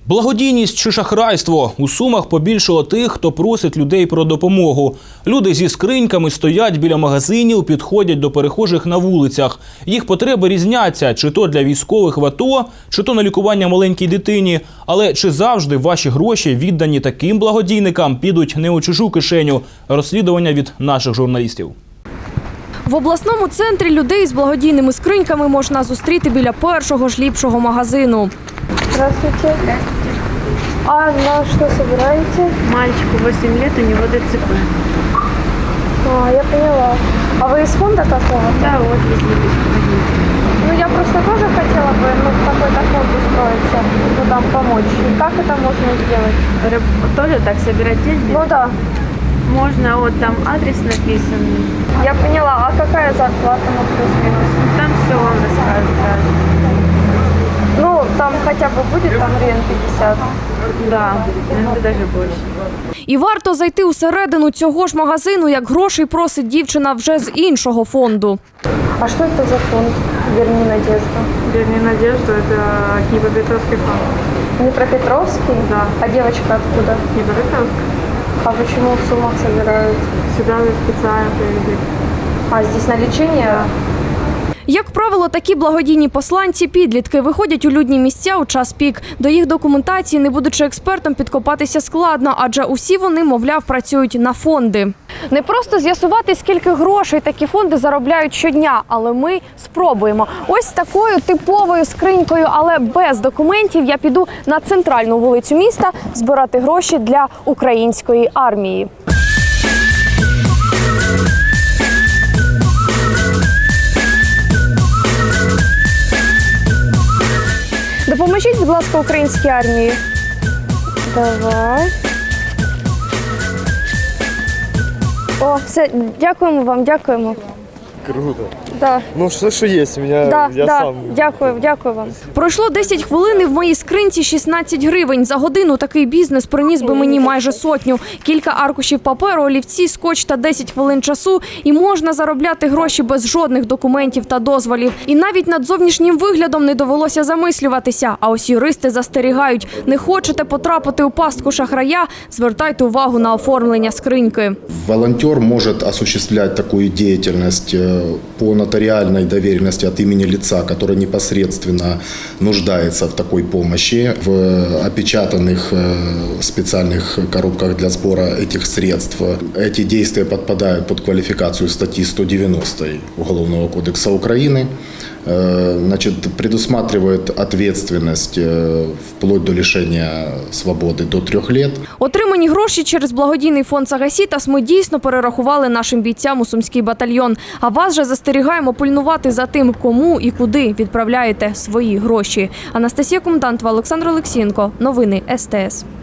Благодійність чи шахрайство? У Сумах побільшало тих, хто просить людей про допомогу. Люди зі скриньками стоять біля магазинів, підходять до перехожих на вулицях. Їх потреби різняться, чи то для військових в АТО, чи то на лікування маленькій дитині. Але чи завжди ваші гроші, віддані таким благодійникам, підуть не у чужу кишеню? Розслідування від наших журналістів. В обласному центрі людей з благодійними скриньками можна зустріти біля першого ж ліпшого магазину. Здравствуйте. А на что собираете? Мальчику 8 лет, у него ДЦП. Я поняла. А вы из фонда какого? Да, вот везли. Ну, я просто тоже хотела бы в какой-то фонд устроиться, ну, там помочь. И как это можно сделать? Тоже так собирать деньги? Ну да, Можно, вот там адрес написан. я поняла. А какая зарплата, ну, плюс-минус? Там все вам расскажут сразу. Ну, там хотя бы будет там гривен 50. Да, иногда даже больше. І варто зайти усередину цього ж магазину, як грошей просить дівчина вже з іншого фонду. А что это за фонд? Верни надежду. Верни надежду, это Днепропетровский фонд. Днепропетровский? Да. А девочка откуда? Днепропетровск. А почему в Сумах собирают? Сюда специально привезли. А здесь на лечение? Як правило, такі благодійні посланці-підлітки виходять у людні місця у час пік. До їх документації, не будучи експертом, підкопатися складно, адже усі вони, мовляв, працюють на фонди. Не просто з'ясувати, скільки грошей такі фонди заробляють щодня, але ми спробуємо. Ось такою типовою скринькою, але без документів, я піду на центральну вулицю міста збирати гроші для української армії. Допоможіть, будь ласка, українській армії. Давай. О, все, дякуємо вам, дякуємо. Круто. Да. Ну, все, що є, у мене, я сам. Дякую вам. Пройшло 10 хвилин і в моїй скринці 16 гривень. За годину такий бізнес приніс би мені майже сотню. Кілька аркушів паперу, олівці, скотч та 10 хвилин часу. І можна заробляти гроші без жодних документів та дозволів. І навіть над зовнішнім виглядом не довелося замислюватися. А ось юристи застерігають. Не хочете потрапити у пастку шахрая? Звертайте увагу на оформлення скриньки. Волонтер может осуществлять такую деятельность по нотариальной доверенности от имени лица, который непосредственно нуждается в такой помощи, в опечатанных специальных коробках для сбора этих средств. Эти действия подпадают под квалификацию статьи 190 Уголовного кодекса Украины. Значит, предусматривает ответственность вплоть до лишения свободы до 3 лет. Отримані гроші через благодійний фонд «Сагасітас» ми дійсно перерахували нашим бійцям у Сумський батальйон. А вас же застерігаємо пильнувати за тим, кому і куди відправляєте свої гроші. Анастасія Комендантова, Олександр Олексієнко. Новини СТС.